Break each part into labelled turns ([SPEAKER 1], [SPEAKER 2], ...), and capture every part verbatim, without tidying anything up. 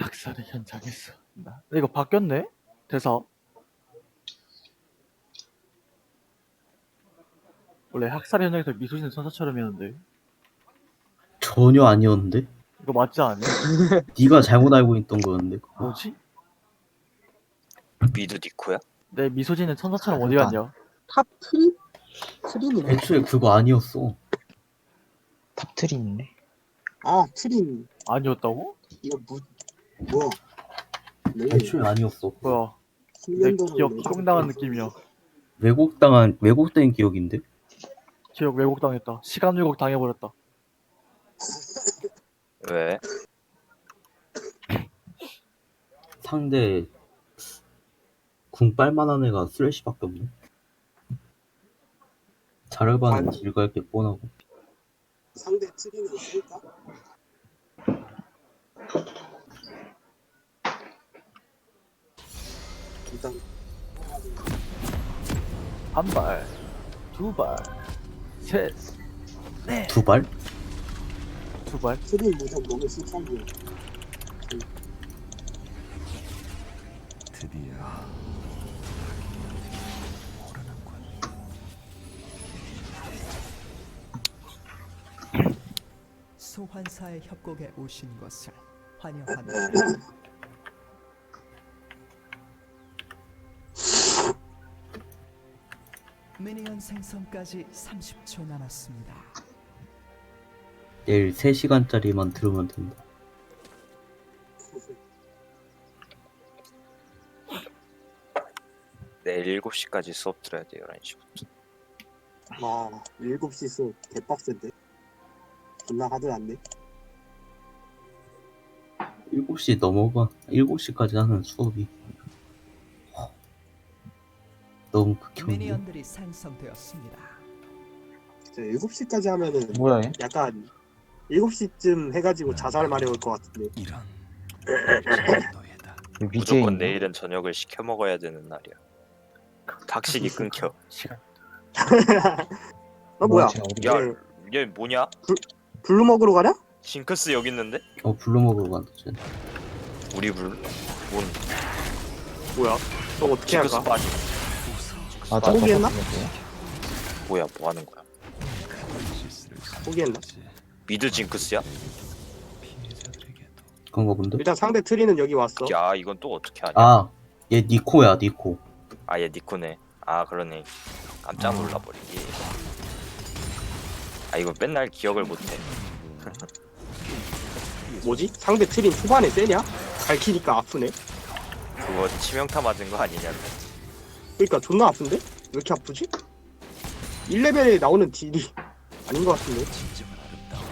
[SPEAKER 1] 학살의 현장에서 나 이거 바뀌었네? 대사 원래 학살의 현장에서 미소진 천사처럼이었는데
[SPEAKER 2] 전혀 아니었는데?
[SPEAKER 1] 이거 맞지 않니?
[SPEAKER 2] 네가 잘못 알고 있던 거였는데.
[SPEAKER 1] 뭐지?
[SPEAKER 3] 미드 니코야?
[SPEAKER 1] 내 미소진은 천사처럼 어디
[SPEAKER 4] 잠깐.
[SPEAKER 1] 갔냐?
[SPEAKER 5] 탑 트리? 트린이네.
[SPEAKER 2] 애초에 그거 아니었어.
[SPEAKER 4] 탑트린이네.
[SPEAKER 5] 아, 트린.
[SPEAKER 1] 아니었다고?
[SPEAKER 5] 이거 무, 뭐야. 네.
[SPEAKER 2] 애초에 아니었어.
[SPEAKER 1] 뭐야 내
[SPEAKER 5] 숙련도를
[SPEAKER 1] 기억
[SPEAKER 5] 내가
[SPEAKER 1] 희롱당한
[SPEAKER 5] 못했어.
[SPEAKER 1] 느낌이야.
[SPEAKER 2] 왜곡당한 왜곡된 기억인데?
[SPEAKER 1] 기억 왜곡당했다. 시간 왜곡 당해버렸다.
[SPEAKER 3] 왜?
[SPEAKER 2] 상대 궁 빨만한 애가 쓰레쉬밖에 없네. 자르바는
[SPEAKER 5] 아니.
[SPEAKER 2] 질갈 게 뻔하고.
[SPEAKER 5] 상대 트린이 있을까? 일단
[SPEAKER 1] 한 발, 두 발, 셋, 넷,
[SPEAKER 2] 두 발?
[SPEAKER 1] 두 발.
[SPEAKER 5] 트린 무적 너무 실천이야.
[SPEAKER 6] 드디어 오르는군.
[SPEAKER 7] 소환사의 협곡에 오신 것을 환영합니다. 미니언 생성까지 삼십 초 남았습니다.
[SPEAKER 2] 내일 세 시간짜리만 들으면 된다.
[SPEAKER 3] 내일 일곱 시까지 수업 들어야 돼. 열한 시부터.
[SPEAKER 5] 와, 일곱 시 수업 개빡센데. 존나 하드한데.
[SPEAKER 2] 일곱 시 넘어가. 일곱 시까지 하는 수업이 허, 너무 극혐인데?
[SPEAKER 7] 미니언들이 생성되었습니다.
[SPEAKER 5] 진짜 일곱 시까지 하면은
[SPEAKER 4] 뭐야 얘?
[SPEAKER 5] 약간 일곱 시쯤 해가지고 자살 마려울 것 같은데.
[SPEAKER 6] 이런 노예다.
[SPEAKER 4] 위에
[SPEAKER 3] 무조건
[SPEAKER 4] 있네.
[SPEAKER 3] 내일은 저녁을 시켜 먹어야 되는 날이야. 각식이 끊겨.
[SPEAKER 1] 시간.
[SPEAKER 5] 어, 뭐야.
[SPEAKER 4] 제가 우리
[SPEAKER 3] 야,
[SPEAKER 5] 네.
[SPEAKER 3] 얘 뭐냐?
[SPEAKER 5] 블루 먹으러 가냐?
[SPEAKER 3] 징크스 여기 있는데?
[SPEAKER 2] 어 불러먹으러 간다 쟤.
[SPEAKER 3] 우리 불? 뭔?
[SPEAKER 5] 뭐야? 너 어떻게
[SPEAKER 3] 징크스
[SPEAKER 5] 할까?
[SPEAKER 3] 빠지.
[SPEAKER 4] 아, 저
[SPEAKER 5] 포기했나?
[SPEAKER 4] 똑같은
[SPEAKER 3] 뭐야? 뭐 하는 거야?
[SPEAKER 5] 포기했나?
[SPEAKER 3] 미드 징크스야?
[SPEAKER 6] 피해자들에게도
[SPEAKER 2] 그런가 본데?
[SPEAKER 5] 일단 상대 트리는 여기 왔어.
[SPEAKER 3] 야, 이건 또 어떻게 하냐?
[SPEAKER 2] 아, 얘 니코야 니코.
[SPEAKER 3] 아, 얘 니코네. 아, 그러네. 깜짝 놀라버리기. 아, 이거 맨날 기억을 못해.
[SPEAKER 5] 뭐지? 상대 트린 초반에 세냐? 갈키니까 아프네.
[SPEAKER 3] 그거 치명타 맞은 거 아니냐?
[SPEAKER 5] 그러니까 존나 아픈데? 왜 이렇게 아프지? 일 레벨에 나오는 딜이 아닌 것 같은데.
[SPEAKER 6] 진정한 아름다움.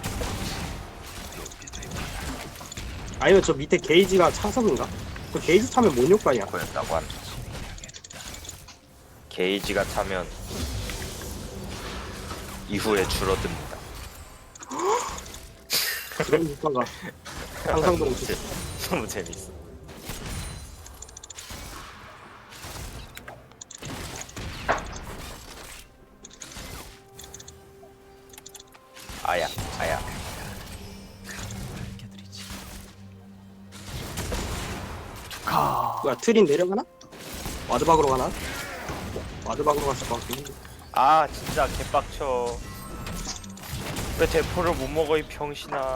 [SPEAKER 5] 아니면 저 밑에 게이지가 차석인가? 그 게이지 차면 뭔 효과냐?
[SPEAKER 3] 거였다고 한다. 게이지가 차면 이후에 줄어듭니다.
[SPEAKER 5] 그런 효과가 상상도
[SPEAKER 3] 너무
[SPEAKER 5] 못했어.
[SPEAKER 3] 재- 너무 재밌어. 아야, 아야.
[SPEAKER 6] 밝혀드리지.
[SPEAKER 1] 가.
[SPEAKER 5] 뭐야 트린 내려가나? 와드박으로 가나? 와드박으로 갔을 것 같긴 한데.
[SPEAKER 3] 아, 진짜 개빡쳐. 왜 대포를 못 먹어 이 병신아.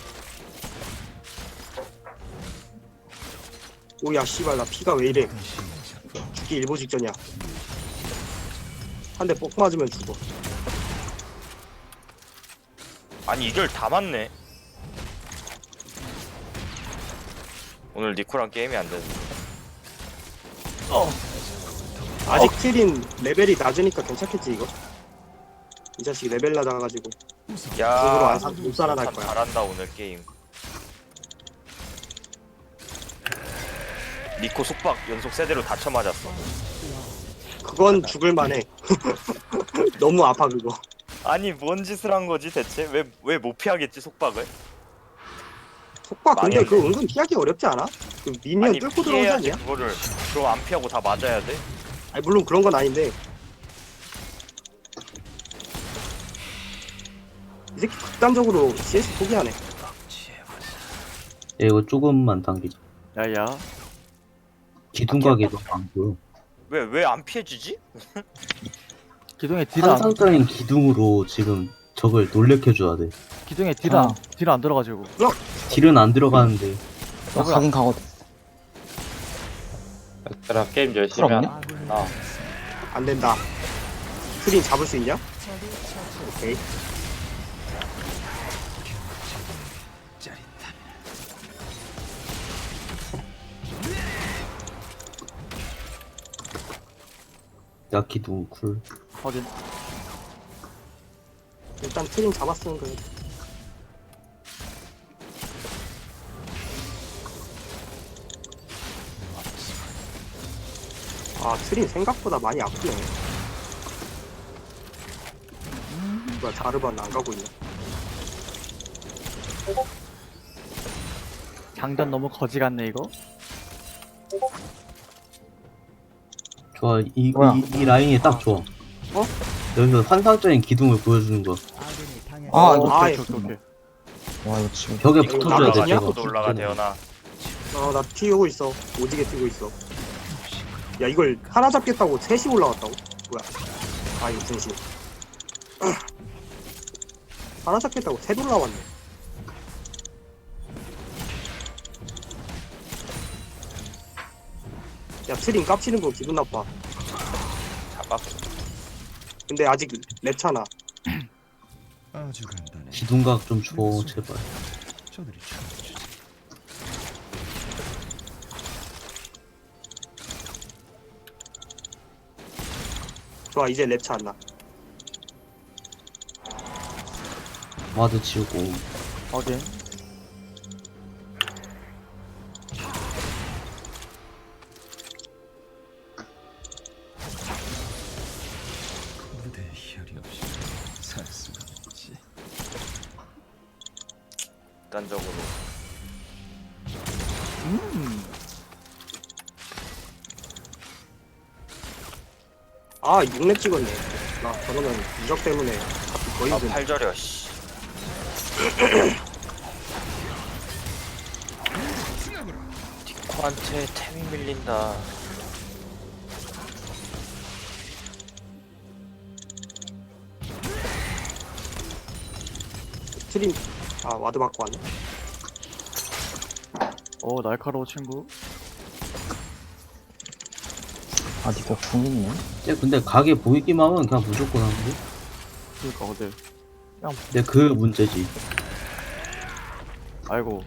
[SPEAKER 5] 오야 씨발 나 피가 왜 이래. 죽기 일보 직전이야. 한 대 뻑 맞으면 죽어.
[SPEAKER 3] 아니 이걸 다 맞네. 오늘 니코랑 게임이 안 되는데.
[SPEAKER 5] 아직 트린 레벨이 낮으니까 괜찮겠지 이거? 이 자식 레벨 낮아가지고 그거로
[SPEAKER 3] 야,
[SPEAKER 5] 안 사- 못 살아날
[SPEAKER 3] 참
[SPEAKER 5] 거야.
[SPEAKER 3] 잘한다 오늘 게임. 니코 속박 연속 세대로 다쳐 맞았어.
[SPEAKER 5] 그건 죽을 만해. 너무 아파 그거.
[SPEAKER 3] 아니 뭔 짓을 한 거지 대체? 왜 왜 못 피하겠지 속박을?
[SPEAKER 5] 속박 근데
[SPEAKER 3] 망했네.
[SPEAKER 5] 그거 은근 피하기 어렵지 않아? 그 미니언
[SPEAKER 3] 아니
[SPEAKER 5] 뚫고 들어오지
[SPEAKER 3] 피해야지
[SPEAKER 5] 않냐?
[SPEAKER 3] 그거를. 그럼 안 피하고 다 맞아야 돼?
[SPEAKER 5] 아니 물론 그런 건 아닌데 이 새끼 극단적으로 씨에스 포기하네.
[SPEAKER 2] 야, 이거 조금만 당기자.
[SPEAKER 1] 야야.
[SPEAKER 2] 기둥 가게도 안 보여.
[SPEAKER 3] 왜 왜 안 피해지지?
[SPEAKER 1] 기둥에 딜 안,
[SPEAKER 2] 환상적인 기둥으로 지금 적을 놀래켜줘야 돼.
[SPEAKER 1] 기둥에 딜 안,
[SPEAKER 4] 아.
[SPEAKER 1] 딜 안 들어가지고.
[SPEAKER 2] 딜은 안 들어가는데
[SPEAKER 4] 나 가긴 가거든.
[SPEAKER 8] 얘들아 게임 열심히
[SPEAKER 4] 풀 없냐?
[SPEAKER 8] 하나?
[SPEAKER 7] 아군이
[SPEAKER 8] 아.
[SPEAKER 5] 안 된다. 트린 잡을 수 있냐? 오케이.
[SPEAKER 6] 짜릿한
[SPEAKER 2] 야 기둥 쿨.
[SPEAKER 1] 확인.
[SPEAKER 5] 일단 트린 잡았으면 그래. 아 트린 생각보다 많이 아프네. 뭐야 자르반 안 가고 있네.
[SPEAKER 1] 장전 너무 거지 같네 이거.
[SPEAKER 2] 좋아. 이,
[SPEAKER 4] 뭐야?
[SPEAKER 2] 이, 이 라인이 딱 좋아.
[SPEAKER 5] 어?
[SPEAKER 2] 여기서 환상적인 기둥을 보여주는 거.
[SPEAKER 7] 아군이 당했습니다.
[SPEAKER 4] 아,
[SPEAKER 5] 어,
[SPEAKER 4] 이거
[SPEAKER 5] 아,
[SPEAKER 1] 오케이 오케이 오케이.
[SPEAKER 4] 와, 이거 지금.
[SPEAKER 2] 벽에
[SPEAKER 5] 이거
[SPEAKER 2] 붙어줘야 돼.
[SPEAKER 5] 나가냐?
[SPEAKER 2] 제가.
[SPEAKER 3] 또 올라가 대현아.
[SPEAKER 5] 어나 튀고 있어. 오지게 튀고 있어. 야 이걸 하나 잡겠다고 셋이 올라왔다고? 뭐야? 아 이거 중심. 하나 잡겠다고 셋 올라왔네. 야 트린 깝치는 거 기분 나빠.
[SPEAKER 3] 잡았어.
[SPEAKER 5] 근데 아직 랩차나.
[SPEAKER 6] 아주 간단해.
[SPEAKER 2] 기둥각 좀 줘, 제발.
[SPEAKER 6] 저들이 쳐주지.
[SPEAKER 5] 좋아 이제 랩차 안 나.
[SPEAKER 2] 와드 치우고.
[SPEAKER 1] 확인.
[SPEAKER 6] 무대에 혈이 없이 살 수가 없지.
[SPEAKER 3] 일단적으로
[SPEAKER 1] 음.
[SPEAKER 5] 아 육 렙 찍었네. 나 저러면 이적 때문에 값이 거의
[SPEAKER 3] 아
[SPEAKER 5] 좀.
[SPEAKER 3] 팔절이야 씨. 디코한테 템이 밀린다.
[SPEAKER 5] 트린 아 와드 받고 왔네.
[SPEAKER 1] 오 날카로워 친구.
[SPEAKER 4] 아, 니가 궁 있네.
[SPEAKER 2] 쟤 근데 가게 보이기만 하면 그냥 무조건 하는데?
[SPEAKER 1] 그니까 근데
[SPEAKER 2] 근데 그 문제지.
[SPEAKER 1] 아이고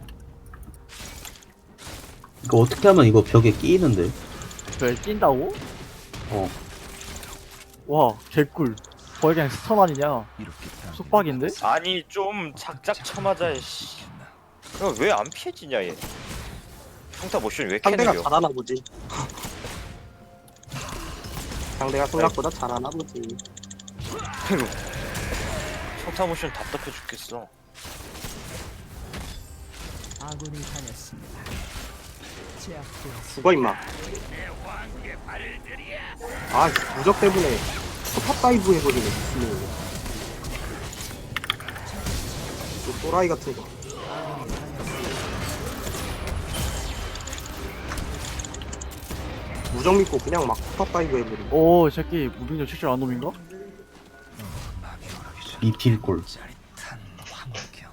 [SPEAKER 2] 이거 어떻게 하면 이거 벽에 끼이는데?
[SPEAKER 1] 왜 낀다고?
[SPEAKER 2] 어.
[SPEAKER 1] 와 개꿀. 거의 그냥 스턴 아니냐.
[SPEAKER 6] 이렇게 당기는
[SPEAKER 1] 속박인데?
[SPEAKER 3] 아니 좀 작작 쳐맞아 씨. 왜 안 피해지냐 얘. 평타 모션 왜 이렇게
[SPEAKER 5] 상대가
[SPEAKER 3] 느려?
[SPEAKER 5] 잘하나 보지. 상대가 생각보다 잘하나 보지.
[SPEAKER 3] 평타 모션 답답해 죽겠어.
[SPEAKER 7] 아군이 당했습니다. 제압되었습니다.
[SPEAKER 5] 죽어 임마. 아 무적 때문에 포탑 다이브 해버리네 미친놈이. 또 또라이 같은 거. 무적 믿고 그냥 막 포탑 다이브 해버리네.
[SPEAKER 1] 오, 이 새끼 무빙력 칠줄 아는 놈인가?
[SPEAKER 6] 막이 오르기 전
[SPEAKER 2] 미필골.
[SPEAKER 6] 짜릿한 환경.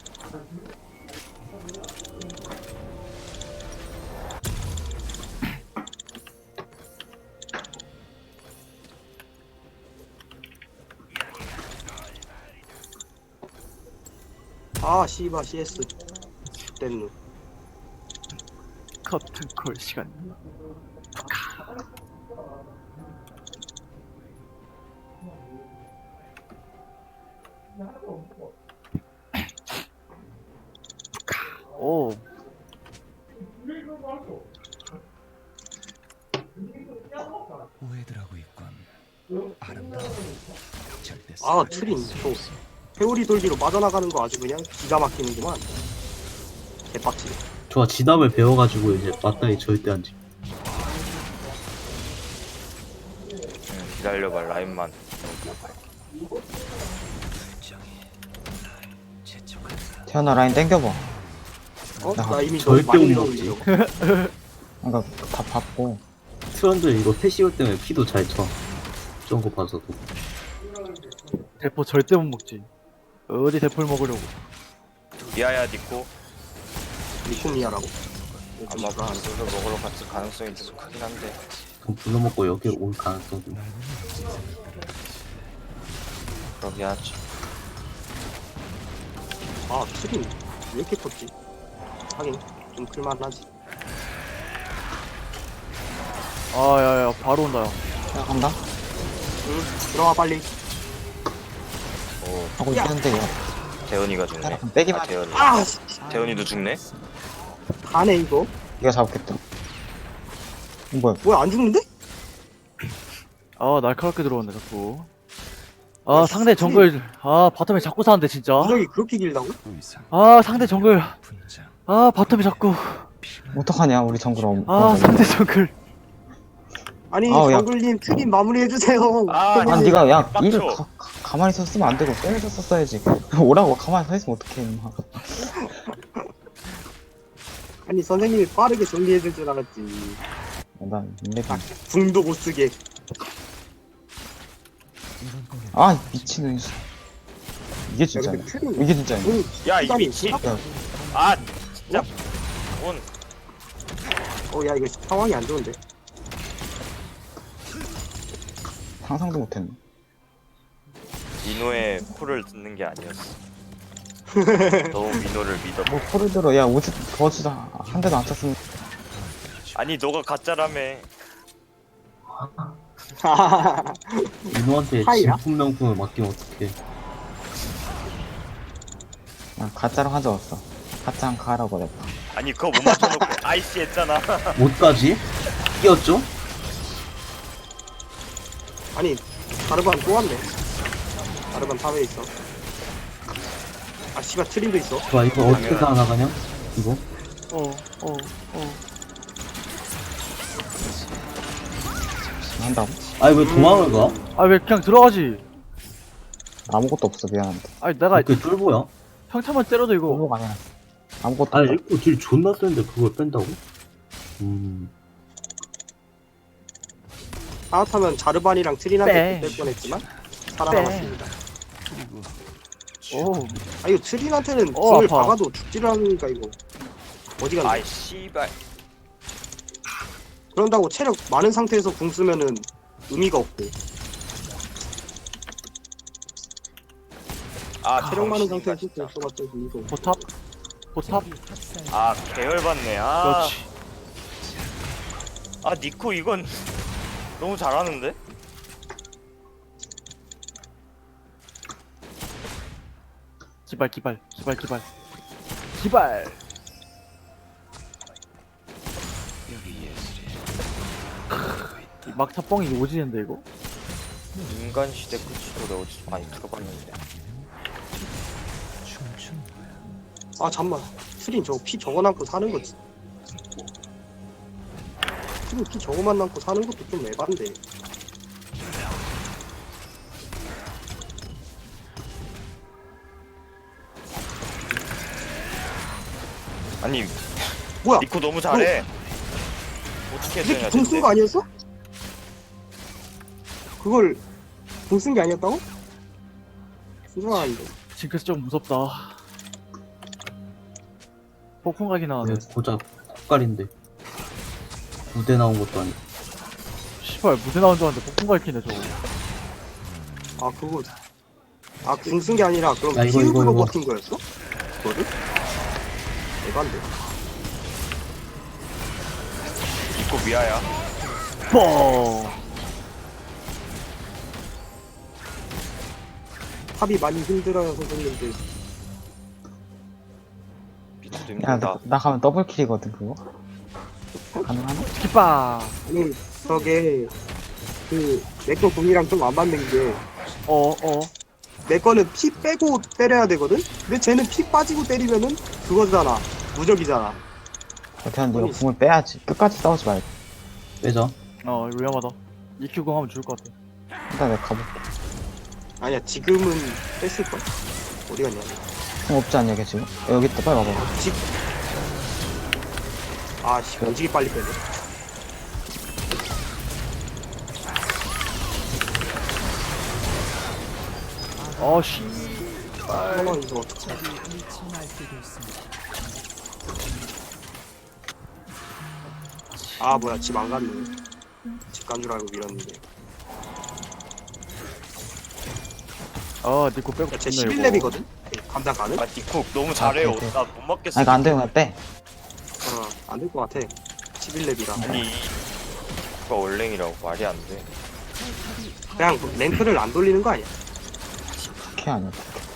[SPEAKER 5] 아 씨바 씨에스. 땐누.
[SPEAKER 1] 커튼콜 시간. 오,
[SPEAKER 6] 오해들 하고 있건 아름다운 절대
[SPEAKER 5] 아 트린 또 회오리 돌기로 빠져나가는 거 아주 그냥 기가 막히는구만. 개빡치네.
[SPEAKER 2] 좋아, 진압을 배워가지고 이제 맞다이 절대 안 지.
[SPEAKER 3] 응, 기다려봐 라인만.
[SPEAKER 6] 결정이 날 재촉한다.
[SPEAKER 4] 태연아, 라인 땡겨봐.
[SPEAKER 5] 어?
[SPEAKER 4] 나
[SPEAKER 5] 나 이미 너
[SPEAKER 2] 절대
[SPEAKER 5] 많이
[SPEAKER 2] 못 먹지.
[SPEAKER 5] 먹었는데.
[SPEAKER 4] 그러니까 다 받고
[SPEAKER 2] 트런들 이거 패시올 때문에 피도 잘 쳐. 저런 거 봐서도.
[SPEAKER 1] 대포 절대 못 먹지. 어디 대포를 먹으려고.
[SPEAKER 3] 미아야 니코
[SPEAKER 5] 리코미아라고.
[SPEAKER 3] 아마 반수를 먹으러 갔을 가능성이 좀 크긴 한데
[SPEAKER 2] 그럼 불러먹고 여기 올 가능성도.
[SPEAKER 3] 그러긴 하지.
[SPEAKER 5] 아 트림 왜 이렇게 컸지? 하긴 좀 클만하지.
[SPEAKER 1] 아, 야, 야, 바로 온다, 야.
[SPEAKER 4] 야 간다
[SPEAKER 5] 응 들어와 빨리.
[SPEAKER 3] 오
[SPEAKER 4] 하고
[SPEAKER 5] 야.
[SPEAKER 4] 있는데 야
[SPEAKER 3] 대현이가 죽네.
[SPEAKER 4] 그럼 빼기만
[SPEAKER 3] 아 대현이.
[SPEAKER 5] 아
[SPEAKER 3] 대현이도 죽네.
[SPEAKER 5] 가네 이거.
[SPEAKER 4] 네가 잡겠다 뭐야
[SPEAKER 5] 뭐야 안 죽는데?
[SPEAKER 1] 아, 날카롭게 들어왔네, 자꾸. 아, 상대 정글. 아, 바텀에 자꾸 사는데, 진짜.
[SPEAKER 5] 무적이 그렇게 길다고?
[SPEAKER 6] 더 이상
[SPEAKER 1] 아, 상대 정글.
[SPEAKER 6] 분장
[SPEAKER 1] 아, 바텀에 자꾸.
[SPEAKER 4] 어떡하냐 우리 정글 엄
[SPEAKER 1] 아, 상대 정글.
[SPEAKER 5] 아니
[SPEAKER 4] 아우, 야.
[SPEAKER 5] 정글님 트림 마무리해주세요.
[SPEAKER 3] 아,
[SPEAKER 4] 아 니가 야
[SPEAKER 3] 빡쳐.
[SPEAKER 4] 일을 가, 가, 가만히 있었으면 안 되고 빼면서 썼어야지 오라고 가만히 서 있으면 어떡해 임마
[SPEAKER 5] 아니 선생님이 빠르게 정리해줄 줄 알았지.
[SPEAKER 4] 난 인맥이
[SPEAKER 5] 궁도 못 쓰게.
[SPEAKER 6] 이런 거면
[SPEAKER 4] 아 미친놈 씨. 이게
[SPEAKER 5] 야
[SPEAKER 4] 진짜네
[SPEAKER 5] 근데 트림
[SPEAKER 4] 이게 진짜네
[SPEAKER 5] 궁
[SPEAKER 3] 야 이
[SPEAKER 5] 시간이
[SPEAKER 3] 미친.
[SPEAKER 5] 있나?
[SPEAKER 3] 아 진짜 온.
[SPEAKER 5] 어야 이거 상황이 안 좋은데.
[SPEAKER 4] 상상도 못했네
[SPEAKER 3] 민호의 코를 듣는 게 아니었어. 너무 민호를 믿어.
[SPEAKER 4] 뭐 코를 들어 야 오지 버즈다 한 대도 안 쳤으면
[SPEAKER 3] 아니 너가 가짜라며.
[SPEAKER 2] 민호한테
[SPEAKER 5] 하이야?
[SPEAKER 2] 진품 명품을 맡기면 어떡해.
[SPEAKER 4] 야 가짜로 한 적 없어 가짜 한 가라고 그랬다
[SPEAKER 3] 아니 그거 못 맞춰놓고 아이씨 했잖아.
[SPEAKER 2] 못 가지? 끼었죠?
[SPEAKER 5] 아니 다르반 또 왔네. 다르반 탑에 있어. 아 씨발 트림도 있어.
[SPEAKER 2] 좋아, 이거 어떻게 살아나가냐? 이거?
[SPEAKER 1] 어, 어, 어.
[SPEAKER 4] 한다고?
[SPEAKER 2] 아니, 왜 도망을 가?
[SPEAKER 1] 아, 왜 그냥 들어가지?
[SPEAKER 4] 아무것도 없어 미안한데
[SPEAKER 1] 아니, 내가
[SPEAKER 2] 그 쫄보야?
[SPEAKER 1] 평타만 때려도 이거.
[SPEAKER 4] 쫄보가 아니라 아무것도
[SPEAKER 2] 아니,
[SPEAKER 4] 없다
[SPEAKER 2] 이거 딜 존나 쓰는데 그걸 뺀다고? 음.
[SPEAKER 5] 하하타면 자르반이랑 트린한테
[SPEAKER 1] 빼.
[SPEAKER 5] 뺄 뻔했지만 살아남았습니다.
[SPEAKER 6] 그리고
[SPEAKER 1] 오,
[SPEAKER 5] 아 이거 트린한테는
[SPEAKER 1] 어,
[SPEAKER 5] 궁을
[SPEAKER 1] 아파.
[SPEAKER 5] 박아도 죽지를 않으니까 이거 어디 갔나?
[SPEAKER 3] 아이 씨발.
[SPEAKER 5] 그런다고 체력 많은 상태에서 궁 쓰면은 의미가 없고
[SPEAKER 3] 아
[SPEAKER 5] 체력 많은
[SPEAKER 3] 병신이다,
[SPEAKER 5] 상태에서
[SPEAKER 3] 진짜.
[SPEAKER 5] 궁 써봤자 의미가 없고.
[SPEAKER 1] 포탑? 포탑?
[SPEAKER 7] 학살.
[SPEAKER 3] 아 계열받네. 아.
[SPEAKER 1] 그렇지.
[SPEAKER 3] 아 니코 이건 너무 잘하는데?
[SPEAKER 1] 기발, 기발, 기발, 기발. 기발!
[SPEAKER 6] 여기 예술이
[SPEAKER 1] 이 막타 뻥이 오지는데, 이거?
[SPEAKER 3] 인간 시대 끝이도 내가 어디서 많이 들어봤는데.
[SPEAKER 6] 춤춘 거야.
[SPEAKER 5] 아 잠만 트린 저거 피 저거 남고 사는 거지. 트린 피 저거만 남고 사는 것도 좀 에반데.
[SPEAKER 3] 아니
[SPEAKER 5] 뭐야?
[SPEAKER 3] 니코 너무 잘해. 어떻게
[SPEAKER 5] 이 새끼
[SPEAKER 3] 했냐
[SPEAKER 5] 궁 쓴 거 아니었어? 그걸 궁 쓴 게 아니었다고? 순정한데.
[SPEAKER 1] 징크스 좀 무섭다. 폭풍각이 나왔네.
[SPEAKER 2] 네, 고작 콧갈인데. 무대 나온 것도 아니고.
[SPEAKER 1] 씨발, 무대 나온 줄 알았는데 폭풍각 키네, 저거.
[SPEAKER 5] 아 그거 아 궁 쓴 게 아니라 그럼
[SPEAKER 2] 야, 이거, 이거,
[SPEAKER 5] 피읍으로
[SPEAKER 2] 이거.
[SPEAKER 5] 버틴 거였어? 그거를? 에반데.
[SPEAKER 3] 니코 미아야.
[SPEAKER 1] 뻥!
[SPEAKER 5] 탑이 많이 힘들어요 선생님들.
[SPEAKER 3] 비트도
[SPEAKER 4] 야
[SPEAKER 3] 힘들다.
[SPEAKER 4] 나, 나 가면 더블킬이거든 그거 가능하나?
[SPEAKER 1] 기빠!
[SPEAKER 5] 아니 저게 그 내거 궁이랑 좀 안 맞는 게
[SPEAKER 1] 어, 어.
[SPEAKER 5] 내 거는 피 빼고 때려야 되거든? 근데 쟤는 피 빠지고 때리면은 그거잖아. 무적이잖아.
[SPEAKER 4] 대한 네가 궁을 빼야지 끝까지 싸우지 말고
[SPEAKER 2] 빼자.
[SPEAKER 1] 어, 이거 위험하다. 이큐 공 하면 죽을 것 같아.
[SPEAKER 4] 일단 내가 가볼게
[SPEAKER 5] 아니야 지금은 뺐을걸? 어디 갔냐?
[SPEAKER 4] 궁 없지 않냐 걔 지금? 야, 여기 있다 빨리 와봐
[SPEAKER 5] 지, 아씨 오지게 빨리 빼네.
[SPEAKER 1] 어, 씨.
[SPEAKER 5] 잠깐만 이거 어떡해.
[SPEAKER 7] 적이 미쳐 날뛰고 있습니다.
[SPEAKER 5] 아 뭐야 집 안 갔네. 집 간 줄 알고 밀었는데.
[SPEAKER 1] 아, 니코 빼고
[SPEAKER 5] 야쟤
[SPEAKER 1] 좋네,
[SPEAKER 5] 십일 렙이거든? 감당 가능?
[SPEAKER 3] 아 니쿡 너무 잘해요.
[SPEAKER 4] 오케이, 오케이.
[SPEAKER 3] 나 못 맞겠어.
[SPEAKER 4] 아 이거 안 되면 그냥 빼.
[SPEAKER 5] 어 안 될 것 같아. 십일 렙이라.
[SPEAKER 3] 아니 이거 원랭이라고 말이 안 돼.
[SPEAKER 5] 그냥 랭크를 안 돌리는 거 아니야?
[SPEAKER 4] 부캐 아니야.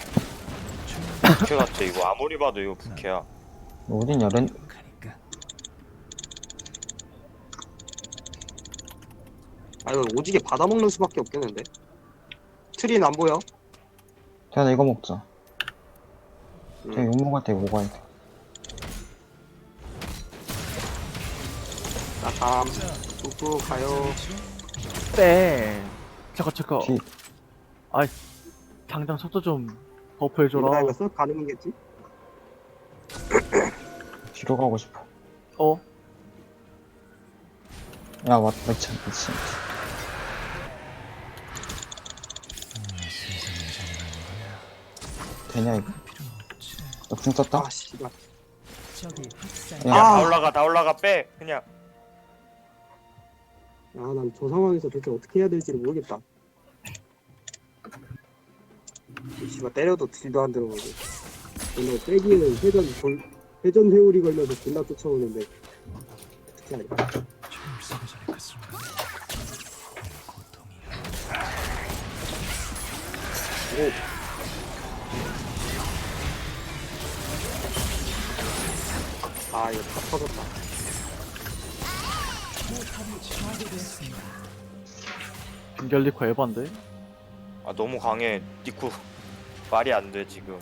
[SPEAKER 3] 부캐 같아 이거. 아무리 봐도 이거 부캐야.
[SPEAKER 4] 어딘 여름
[SPEAKER 6] 가니까
[SPEAKER 5] 아 이거 오지게 받아먹는 수밖에 없겠는데. 트린 안 보여?
[SPEAKER 4] 태연아 이거 먹자.
[SPEAKER 5] 응.
[SPEAKER 4] 태연 욕 먹을 때 이거 먹어야 돼.
[SPEAKER 5] 나 다음 뚝뚝 가요.
[SPEAKER 1] 빼. 잠깐, 잠깐.
[SPEAKER 4] 뒤
[SPEAKER 1] 당장 속도 좀
[SPEAKER 5] 이거
[SPEAKER 1] 버프해줘라.
[SPEAKER 5] 이거 쓱 가능이겠지?
[SPEAKER 4] 뒤로 가고 싶어.
[SPEAKER 1] 어?
[SPEAKER 4] 야 맞다 미친 미친. 되냐 이거? 너 궁 썼다?
[SPEAKER 5] 아 씨발.
[SPEAKER 7] 적이 학살.
[SPEAKER 4] 야.
[SPEAKER 3] 야,
[SPEAKER 5] 아.
[SPEAKER 3] 다 올라가 다 올라가 빼 그냥.
[SPEAKER 5] 아난 저 상황에서 도대체 어떻게 해야 될지를 모르겠다. 이 씨발 때려도 딜도 안 들어오고. 근데 빼기에는 회전 돌 회전 회오리 걸려서 존나 쫓아오는데 어떻게 할까?
[SPEAKER 6] 춤을 쓰기 전에 그 순간 고통이
[SPEAKER 5] 아 이거 다 터졌다.
[SPEAKER 1] 빙결리코 에반데?
[SPEAKER 3] 아 너무 강해. 니쿡 말이 안 돼 지금.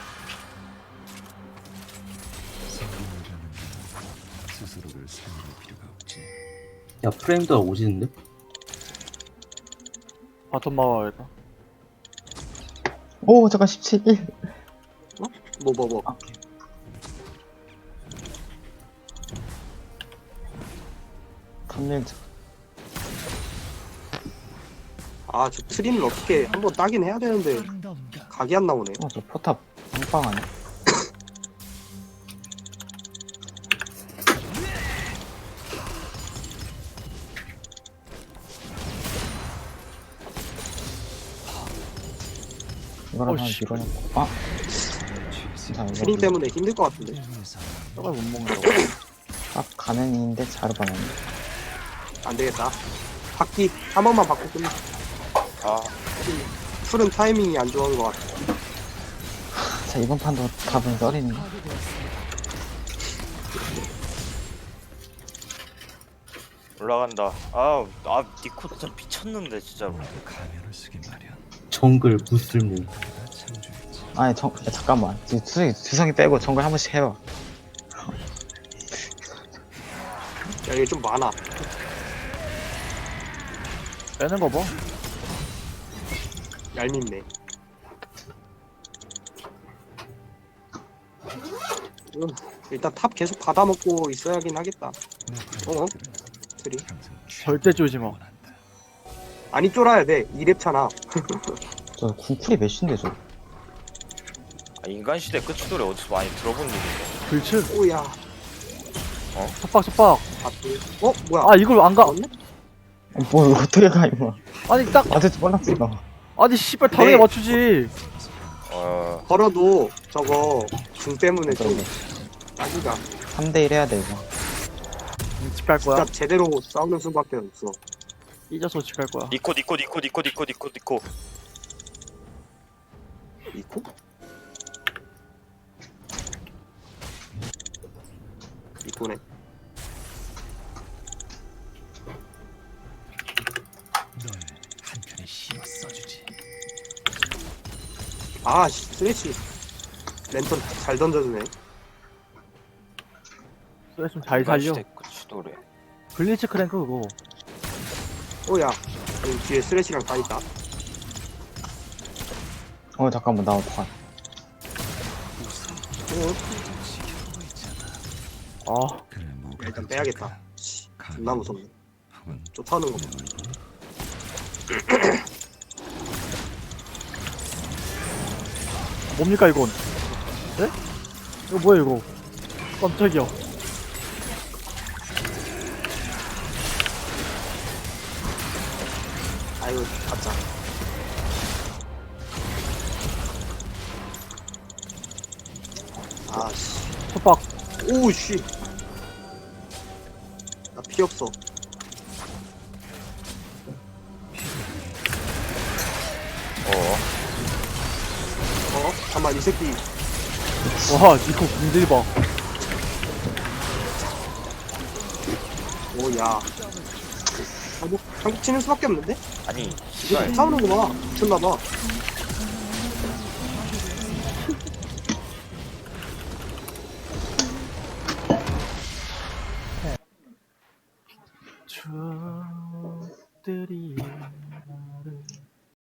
[SPEAKER 6] 생존하려는 스스로를 살릴 필요가 없지.
[SPEAKER 2] 야 프레임도 오지는데?
[SPEAKER 1] 바텀 막아야겠다.
[SPEAKER 4] 오 잠깐 십칠.
[SPEAKER 5] 뭐 뭐 뭐.
[SPEAKER 4] 탐밀자.
[SPEAKER 5] 아 저 트린을 어떻게 한번 따긴 해야 되는데 각이 안 나오네.
[SPEAKER 4] 어저 포탑 빵빵 아니야? 이거랑
[SPEAKER 1] 어,
[SPEAKER 4] 하나
[SPEAKER 1] 씨.
[SPEAKER 4] 밀어놓고 아! 자
[SPEAKER 5] 트린
[SPEAKER 4] 이거
[SPEAKER 5] 때문에 힘들 것 같은데.
[SPEAKER 1] 저걸 못 먹는다고.
[SPEAKER 4] 딱 가능인데 자르바나네.
[SPEAKER 5] 안 되겠다. 바퀴 한 번만 바꿔 끝내.
[SPEAKER 3] 아
[SPEAKER 5] 풀은 타이밍이 안 좋은 것 같아.
[SPEAKER 4] 자 이번 판도 답은 썰이네.
[SPEAKER 3] 올라간다. 아아 니쿡 진짜 미쳤는데 진짜로.
[SPEAKER 6] 가면을 쓰기 마련.
[SPEAKER 2] 정글 무쓸모.
[SPEAKER 6] 다 창조했지.
[SPEAKER 4] 아니 정 야, 잠깐만 지금 주성이 주성이 빼고 정글 한 번씩 해봐.
[SPEAKER 5] 야 이게 좀 많아.
[SPEAKER 1] 빼는 거 봐.
[SPEAKER 5] 얄밉네. 음, 일단 탑 계속 받아먹고 있어야긴 하겠다. 어? 트리.
[SPEAKER 1] 절대 쪼지 마.
[SPEAKER 5] 아니 쫄아야 돼. 이 렙 차나.
[SPEAKER 4] 저 궁쿨이 몇인데 저?
[SPEAKER 3] 아, 인간 시대 끝이 노래 어디서 많이 들어본 일인데.
[SPEAKER 1] 불칠.
[SPEAKER 5] 오야.
[SPEAKER 1] 속박, 속박.
[SPEAKER 5] 바퀴. 어? 뭐야?
[SPEAKER 1] 아, 이걸 안 가.
[SPEAKER 5] 맞네?
[SPEAKER 4] 어, 뭐 이거 어떻게 가 이거?
[SPEAKER 1] 아니, 딱.
[SPEAKER 4] 맞을 줄 몰랐어 이거.
[SPEAKER 1] 아니, 씨발, 당연히
[SPEAKER 5] 네.
[SPEAKER 1] 맞추지.
[SPEAKER 3] 어
[SPEAKER 5] 걸어도 저거 궁 때문에
[SPEAKER 4] 이거
[SPEAKER 5] 좀
[SPEAKER 4] 이거
[SPEAKER 5] 따기가
[SPEAKER 4] 삼 대 일 해야 돼 이거.
[SPEAKER 1] 집 갈 거야?
[SPEAKER 5] 진짜 제대로 싸우는 수밖에 없어.
[SPEAKER 1] 삐져서 집 갈 거야.
[SPEAKER 3] 니코 니코 니코 니코 니코 니코 니코.
[SPEAKER 5] 이코? 이코네.
[SPEAKER 6] 널 한편에 씌워 써주지.
[SPEAKER 5] 아, 씨, 스레치. 랜턴 잘 던져주네.
[SPEAKER 1] 그래, 좀 잘
[SPEAKER 3] 인간
[SPEAKER 1] 살려.
[SPEAKER 3] 시대 끝이 노래.
[SPEAKER 1] 블리츠 크랭크 그거.
[SPEAKER 5] 오야. 여기 뒤에 스레치랑 다 있다.
[SPEAKER 4] 어 잠깐만 나 어떡하?
[SPEAKER 1] 아,
[SPEAKER 6] 그래 뭐
[SPEAKER 5] 일단 빼야겠다. 씨, 존나 무섭네.
[SPEAKER 6] 혹은
[SPEAKER 5] 쫓아오는 거 봐.
[SPEAKER 1] 뭡니까 이건? 네? 이거 뭐야 이거? 깜짝이야.
[SPEAKER 5] 아유, 가짜. 아씨.
[SPEAKER 1] 협박.
[SPEAKER 5] 오, 씨. 나 피 없어.
[SPEAKER 3] 어.
[SPEAKER 5] 어? 잠깐만, 이 새끼.
[SPEAKER 1] 와 니코 군딜 봐.
[SPEAKER 5] 오, 야. 한국, 한국 치는 수밖에 없는데?
[SPEAKER 3] 아니
[SPEAKER 5] 이거
[SPEAKER 3] 씨발
[SPEAKER 5] 싸우는 거 봐. 미쳤나봐.
[SPEAKER 1] 추억들이 나를